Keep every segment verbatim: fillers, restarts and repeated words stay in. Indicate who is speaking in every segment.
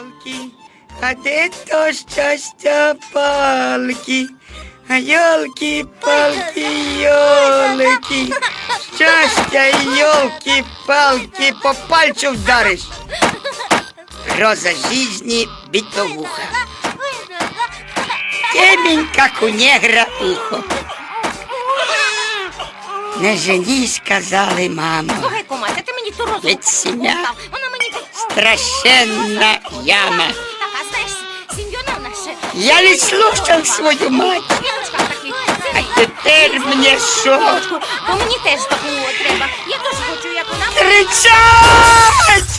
Speaker 1: Ёлки, а де то щастя палки? А ёлки-палки, ёлки, щастя, ёлки-палки, по пальцу вдариш. Роза жизни битовуха. Темень, как у негра, ухо. Не женись, сказали, мамо.
Speaker 2: Слухай, кумася, ти мені ту розу.
Speaker 1: Ведь сім'я
Speaker 2: Вона мені...
Speaker 1: страшенна яма.
Speaker 2: Так, а знаєш, Сім'йона наша...
Speaker 1: Я не слушав свою мать.
Speaker 2: Жіночка такий.
Speaker 1: А тепер мені що?
Speaker 2: Бо мені теж такого треба. Я теж хочу, як вона.
Speaker 1: Кричать!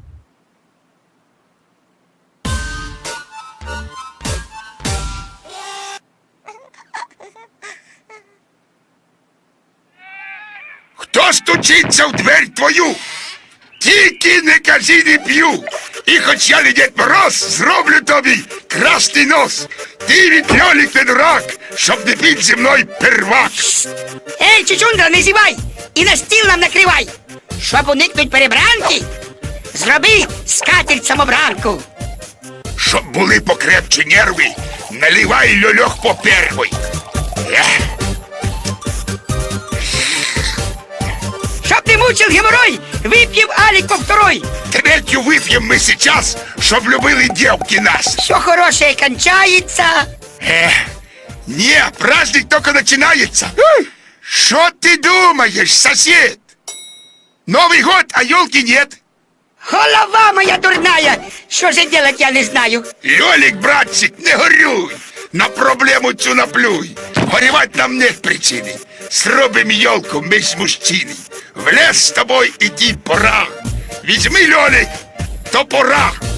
Speaker 3: Хто стучиться в дверь твою? Тільки не кажи, не п'ю. І хоч я не Дід Мороз, зроблю тобі красний нос. Ти від льолік не дурак, щоб не під зі мною первак.
Speaker 1: Ей, чучундра, не зівай! І на стіл нам накривай! Щоб уникнуть перебранки, зроби скатерть самобранку.
Speaker 3: Щоб були покрепче нерви, наливай льольох по первой. Ех.
Speaker 1: Чтоб не мучил геморрой, выпьем Алик по второй.
Speaker 3: Третю вип'єм ми сейчас, щоб любили дівки нас.
Speaker 1: Все хорошее кончается.
Speaker 3: Ех, не, праздник только начинается. Что ты думаешь, сосед? Новый год, а елки нет.
Speaker 1: Голова моя дурная, что же делать я не знаю.
Speaker 3: Лёлик, братчик, не горюй, на проблему цю наплюй. Горевать нам нет причины. Зробим елку, мы ж мужчины. В лес с тобой иди пора. Візьми, Лёлик, топора.